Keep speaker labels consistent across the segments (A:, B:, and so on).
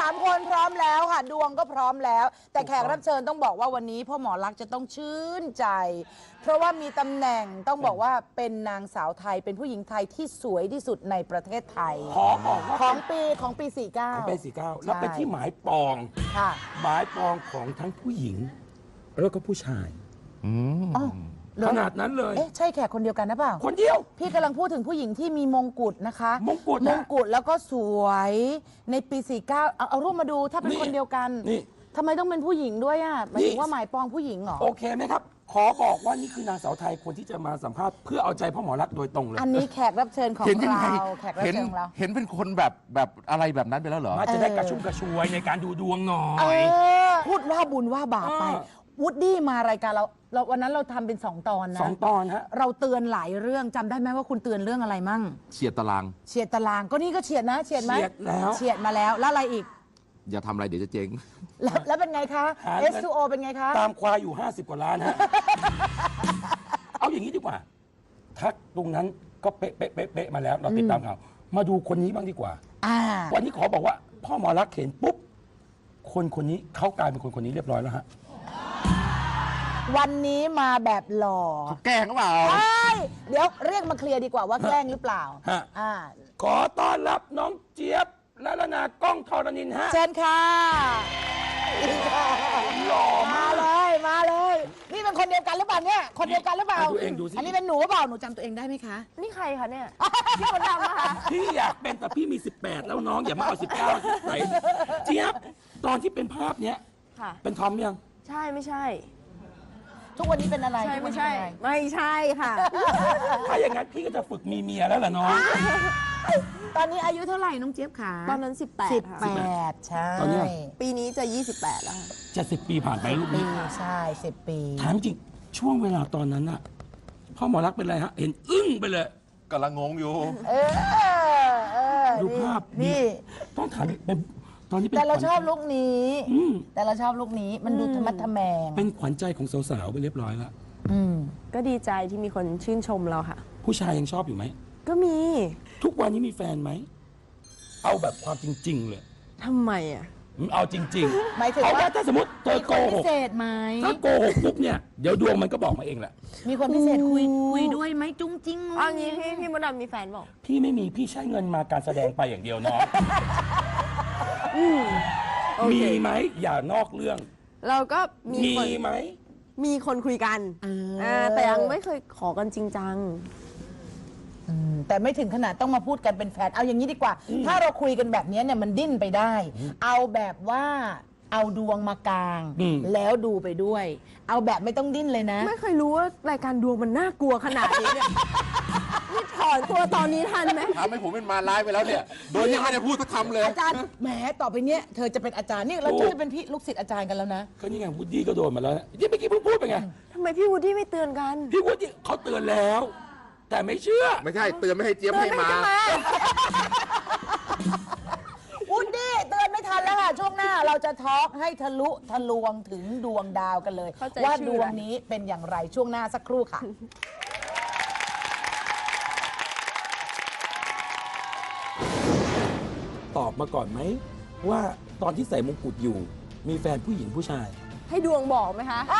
A: 3 คนพร้อมแล้วค่ะดวงก็พร้อมแล้วแต่แขกรับเชิญต้องบอกว่าวันนี้พ่อหมอลักษณ์จะต้องชื่นใจเพราะว่ามีตำแหน่งต้องบอกว่าเป็นนางสาวไทยเป็นผู้หญิงไทยที่สวยที่สุดในประเทศไทย
B: ขอบอกว่า
A: ของปี49
B: ของปี49แล้วเป็นที่หมายปอง
A: ค่ะ
B: หมายปองของทั้งผู้หญิงแล้วก็ผู้ชายขนาดนั้นเลย
A: เอ๊ะใช่แขกคนเดียวกันนะเปล่า
B: คนเดียว
A: พี่กำลังพูดถึงผู้หญิงที่มีมงกุฎนะคะ
B: มงกุฎ
A: แล้วก็สวยในปี49เอารูปมาดูถ้าเป็นคนเดียวกัน
B: นี่
A: ทำไมต้องเป็นผู้หญิงด้วยอ่ะหมายถึงว่าหมายปองผู้หญิงเหรอ
B: โอเคไหมครับขอบอกว่านี่คือนางสาวไทยคนที่จะมาสัมภาษณ์เพื่อเอาใจพ่อหมอรักษณ์โดยตรงเลย
A: อันนี้แขกรับเชิญของเราแขกรับเชิญของเรา
C: เห็นเป็นคนแบบอะไรแบบนั้นไปแล้วเหรอ
B: มาจะได้กระชุ่มกระชวยในการดูดวงหน่อย
A: พูดว่าบุญว่าบาปไปวูดดี้มารายการเราวันนั้นเราทำเป็น2 ตอนนะ
B: 2 ตอนฮะ
A: เราเตือนหลายเรื่องจำได้ไหมว่าคุณเตือนเรื่องอะไรมั่ง
C: เฉียดตาราง
A: ก็นี่ก็เฉียดนะเฉียดไหม
B: เฉียด
A: มาแล้วแล้วอะไรอีก
C: อย่าทำอะไรเดี๋ยวจะเจ๊ง
A: แล้วเป็นไงคะ S2O เป็นไงคะ
B: ตามควายอยู่50 กว่าล้านฮะ เอาอย่างนี้ดีกว่าทักตรงนั้นก็เป๊ะมาแล้วเราติดตามข่าวมาดูคนนี้บ้างดีกว่าวันนี้ขอบอกว่าพ่อหมอรักษณ์เห็นปุ๊บคนนี้เขากลายเป็นคนนี้เรียบร้อยแล้วฮะ
A: วันนี้มาแบบหล่อ
C: แกล้งหรือเปล่า
A: เดี๋ยวเรียกมาเคลียร์ดีกว่าว่าแกล้งหรือเปล่า
B: ขอต้อนรับน้องเจี๊ยบละละนากล้องธรณินฮะ
A: เชิญค่ะ
B: หล่อ
A: มาเลยนี่เป็นคนเดียวกันหรือเปล่าเนี่ยคนเดียวกันหรือเปล่า
B: ดูเองดูสิ
A: อันนี้เป็นหนูหรือเปล่าหนูจำตัวเองได้ไหมคะ
D: นี่ใครคะเนี่ยพี่คนดำอะคะ
B: พี่อยากเป็นแต่พี่มี18แล้วน้องอย่ามาเอา19ใส่เจี๊ยบตอนที่เป็นภาพเนี้ยเป็นทอมยัง
D: ใช่ไม่ใช่
A: ทุกวันนี้เป็นอะไร
D: ไม่ใช่ค่ะ
B: ถ้าอย่างนั้นพี่ก็จะฝึกมีเมียแล้วล่ะน้อง
A: ตอนนี้อายุเท่าไหร่น้องเจี๊ยบขา
D: ตอนนั้น18
A: ใช่
D: ปีนี้จะ28แล้ว
B: จะ10 ปีผ่านไปลูกนี้
A: ใช่10 ปี
B: ถามจริงช่วงเวลาตอนนั้นอะพ่อหมอรักษณ์เป็นไรฮะเห็นอึ้งไปเลย
C: กำลังงงอยู่
B: ดูภาพนี่ต้องถามเป็นตอนนี้
A: แต่เราชอบลูกนี้มันดูธรรมะทแมง
B: เป็นขวัญใจของสาวๆไปเรียบร้อยแล้ว
D: ก็ดีใจที่มีคนชื่นชมเราค่ะ
B: ผู้ชายยังชอบอยู่ไหม
D: ก็มี
B: ทุกวันนี้มีแฟนไหมเอาแบบความจริงๆเลย
D: ทำไมอ่ะ
B: เอาจริงๆ
A: หมายถึง
B: ว่าถ้าสมมติเธอโกหก
A: พิเศษไหม
B: ถ้าโกหกปุ๊บเนี่ยเดี๋ยวดวงมันก็บอกมาเองแหละ
A: มีคนพิเศษคุยด้วยไหมจุ้งจิ้ง
D: เอางี้พี่มดดำมีแฟนบอก
B: พี่ไม่มีพี่ใช้เงินมาการแสดงไปอย่างเดียวน้องมีไหมอย่านอกเรื่อง
D: เราก็
B: มีไหม
D: มีคนคุยกันแต่ยังไม่เคยขอกันจริงจัง
A: แต่ไม่ถึงขนาดต้องมาพูดกันเป็นแฟนเอาอย่างนี้ดีกว่าถ้าเราคุยกันแบบนี้เนี่ยมันดิ้นไปได้เอาแบบว่าเอาดวงมากางแล้วดูไปด้วยเอาแบบไม่ต้องดิ้นเลยนะ
D: ไม่เคยรู้ว่ารายการดวงมันน่ากลัวขนาดนี้เนี่ยนี่ถอนตัวตอนนี้ทันไหม
C: ทำให้ผมเป็นมาร้ายไปแล้วเนี่ยโดยยังไม่ได้พูดสักคำเลย
A: อาจารย์แหมต่อไปเนี้ยเธอจะเป็นอาจารย์นี่เราจะเป็นพี่ลูกศิษย์อาจารย์กันแล้วนะ
B: ก็นี่ไงวูดดี้ก็โดนมาแล้วที่เมื่อกี้เพิ่งพูดไปไง
D: ทำไมพี่วูดดี้ไม่เตือนกัน
B: พี่วูดดี้เขาเตือนแล้วแต่ไม่เชื่อ
C: ไม่ใช่เตือนไม่ให้เจี๊ยบให้มา
A: วูดดี้เตือนไม่ทันแล้วค่ะช่วงหน้าเราจะทอล์กให้ทะลุทะลวงถึงดวงดาวกันเลยว่าดวงนี้เป็นอย่างไรช่วงหน้าสักครู่ค่ะ
B: ตอบมาก่อนไหมว่าตอนที่ใส่มงกุฎอยู่มีแฟนผู้หญิงผู้ชาย
D: ให้ดวงบอกไหมคะ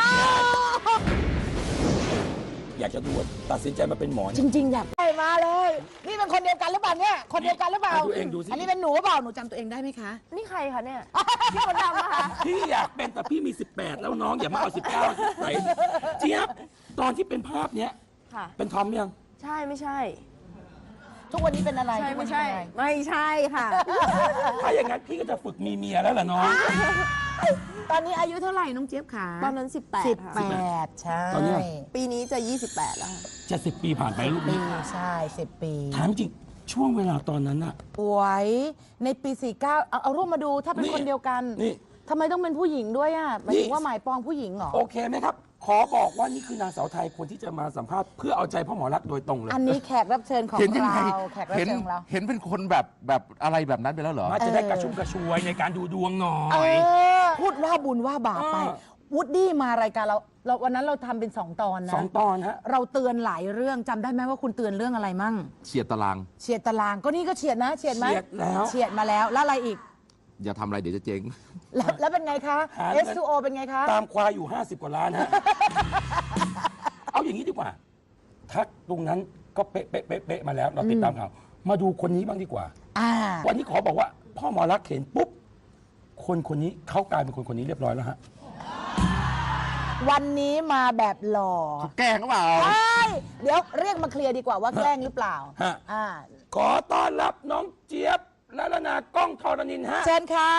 B: อยากจะดูตัดสินใจมาเป็นหมอ
A: จริงๆอยากมาเลยนี่เป็นคนเดียวกันหรือเปล่าเนี่ยคนเดียวกันหรือเปล่า
B: ดูเองดูสิ
A: อันนี้เป็นหนูหรือเปล่าหนูจำตัวเองได้ไหมคะ
D: นี่ใครคะเนี่ยพี่คนดำอะคะ
B: พี่อยากเป็นแต่พี่มี18แล้วน้องอย่ามาเอา19ใส่เจี๊ยบตอนที่เป็นภาพเนี้ยเป็นทอมยัง
D: ใช่ไม่ใช่
A: ทุกวันนี้เป็นอะไร
D: ไม่ใช่ค่ะ
B: ถ้าอย่างนั้นพี่ก็จะฝึกมีเมียแล้วล่ะน้อง
A: ตอนนี้อายุเท่าไหร่น้องเจี๊ยบขา
D: ตอนนั้น
A: 18ใช่
D: ปีนี้จะ28แล้ว
B: จะ10 ปีผ่านไปลูกนี้
A: ใช่10 ปี
B: ถามจริงช่วงเวลาตอนนั้นอะ
A: สวยในปี49เอารูปมาดูถ้าเป็นคนเดียวกันทำไมต้องเป็นผู้หญิงด้วยอ่ะหมายถึงว่าหมายปองผู้หญิงเหรอ
B: โอเคไหมครับขอบอกว่านี่คือนางสาวไทยคนที่จะมาสัมภาษณ์เพื่อเอาใจพ่อหมอรักษณ์โดยตรงเลย
A: อันนี้แขกรับเชิญของเราแขกรับเชิญของเรา
C: เห็นเป็นคนแบบอะไรแบบนั้นไปแล้วเหรอ
B: มาจะได้กระชุ่มกระชวยในการดูดวงหน่อย
A: พูดว่าบุญว่าบาปไปวูดดี้มารายการเราวันนั้นเราทำเป็น2 ตอนนะ
B: 2 ตอนฮะ
A: เราเตือนหลายเรื่องจำได้ไหมว่าคุณเตือนเรื่องอะไรมั่ง
C: เฉียดตาราง
A: ก็นี่ก็เฉียดนะเฉียดไหม
B: เฉียดมาแล้ว
A: แล้วอะไรอีก
C: อย่าทำอะไรเดี๋ยวจะเจ๊ง
A: แล้วเป็นไงคะ
B: หาเงิน
A: S2O เป็นไงคะ
B: ตามควายอยู่ 50 กว่าล้านฮะ เอาอย่างนี้ดีกว่า ทักตรงนั้นก็เป๊ะเป๊ะเป๊ะเป๊ะมาแล้ว เราติดตามข่าว มาดูคนนี้บ้างดีกว่า วันนี้ขอบอกว่า พ่อหมอรักษณ์เห็นปุ๊บ คนนี้เขากลายเป็นคนนี้เรียบร้อยแล้วฮะ
A: วันนี้มาแบบหล่อ
C: แกล้งหรือเปล่า
A: ใช่เดี๋ยวเรียกมาเคลียร์ดีกว่าว่าแกล้งหรือเปล่า
B: ฮะ
A: อ่า
B: ขอต้อนรับน้องเจี๊ยบละละนากล้องธรณินทร์ฮะ
A: เชิญค่ะ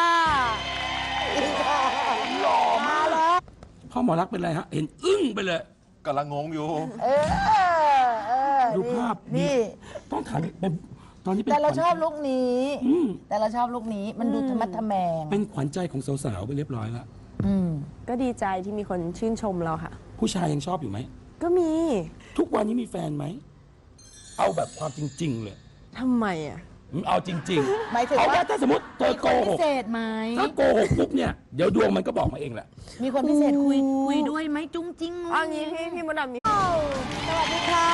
B: หล่อ
A: มาม
B: าก
A: แล้ว
B: พ่อหมอรักษณ์เป็นไรฮะ เห็นอึ้งไปเลย
C: กำลังงงอยู่
A: เออ
B: ดูภาพ
A: นี่
B: ต้องถามเป็นตอนนี้เป็น
A: แต่เรา
B: ขวัญ
A: ชอบลุคนี้
B: อืม
A: แต่เราชอบลุคนี้มันดูธรรมะทแมง
B: เป็นขวัญใจของสาวๆไปเรียบร้อยแล้ว
A: อืม
D: ก็ดีใจที่มีคนชื่นชมเราค่ะ
B: ผู้ชายยังชอบอยู่ไหม
D: ก็มี
B: ทุกวันนี้มีแฟนไหม เอาแบบความจริง ๆ เลย
D: ทำไมอ่ะ
B: เอาจริง
A: หมายถึง
B: เอา
A: ว่า
B: ว่าถ้าสมมติเธอ
A: มี
B: โก
A: คน
B: ห
A: พิ
B: ก
A: เศษไหม
B: ถ้าโกหกปุ๊บเนี่ย เดี๋ยวดวงมันก็บอกมาเองแหละ
A: มีคนพิเศษคุยด้วยไหมจุ้งจิ้ง
D: เอางี้พี่มดดำมี
A: สวัสดีค่ะ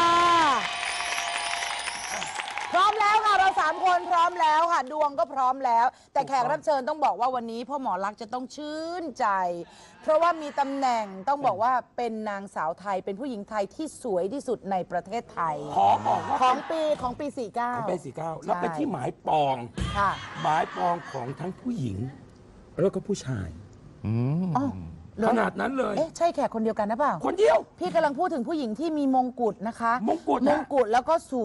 A: พร้อมแล้วค่ะเรา3คนพร้อมแล้วค่ะ ดวงก็พร้อมแล้ว แต่แขกรับเชิญต้องบอกว่าวันนี้พ่อหมอรักษณ์จะต้องชื่นใจ เพราะว่ามีตำแหน่งต้องบอกว่าเป็นนางสาวไทยเป็นผู้หญิงไทยที่สวยที่สุดในประเทศไทย
B: ขอบอกว่า
A: ของปี 49
B: ของเป็น49แล้วเป็นที่หมายปอง
A: ค่ะ
B: หมายปองของทั้งผู้หญิง แล้วก็ผู้ชาย
A: อ๋อเหรอ
B: ขนาดนั้นเลย
A: เอ๊ะใช่แขกคนเดียวกันนะเปล่า
B: คนเดียว
A: พี่กำลังพูดถึงผู้หญิงที่มีมงกุฎนะคะ
B: มงกุฎ
A: ม
B: นะ
A: งกุฎแล้วก็ส